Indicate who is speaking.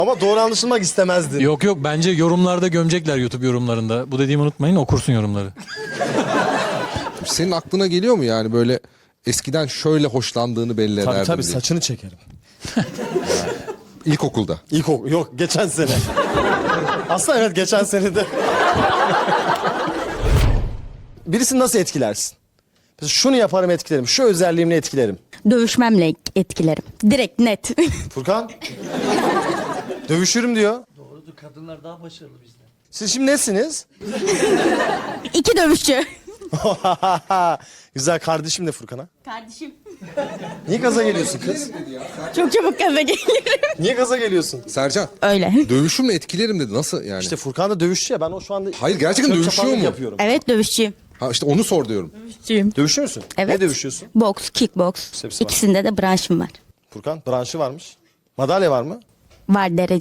Speaker 1: Ama doğru anlaşılmak istemezdin.
Speaker 2: Yok yok, bence yorumlarda gömecekler, YouTube yorumlarında. Bu dediğimi unutmayın, okursun yorumları.
Speaker 3: Senin aklına geliyor mu yani böyle eskiden şöyle hoşlandığını belli ederdin
Speaker 1: Tabii
Speaker 3: diye?
Speaker 1: saçını çekerim.
Speaker 3: İlkokulda.
Speaker 1: Yok geçen sene. Aslında evet geçen sene de. Birisini nasıl etkilersin? Mesela şunu yaparım etkilerim, şu özelliğimle etkilerim.
Speaker 4: Dövüşmemle etkilerim. Direkt net.
Speaker 1: Furkan? Dövüşürüm diyor.
Speaker 5: Doğrudur, kadınlar daha başarılı bizden.
Speaker 1: Siz şimdi nesiniz?
Speaker 4: 2 dövüşçü.
Speaker 1: Güzel, kardeşim de Furkan'a.
Speaker 4: Kardeşim.
Speaker 1: Niye gaza geliyorsun kız?
Speaker 4: Çok çabuk gaza gelirim.
Speaker 1: Niye gaza geliyorsun?
Speaker 3: Sercan.
Speaker 4: Öyle.
Speaker 3: Dövüşümle etkilerim dedi. Nasıl yani?
Speaker 1: İşte Furkan da dövüşçü ya, ben o şu anda...
Speaker 3: Hayır, gerçekten
Speaker 1: çöp
Speaker 3: dövüşüyor
Speaker 1: çapanlık
Speaker 3: mu?
Speaker 1: yapıyorum.
Speaker 4: Evet, dövüşçüyüm.
Speaker 3: Ha işte onu sor diyorum.
Speaker 4: Dövüşçüyüm.
Speaker 1: Dövüşüyor musun?
Speaker 4: Evet.
Speaker 1: Ne dövüşüyorsun?
Speaker 4: Boks, kickboks.
Speaker 1: Hepsi var.
Speaker 4: İkisinde de branşım var.
Speaker 1: Furkan branşı varmış. Madalya var mı?
Speaker 4: Var derece.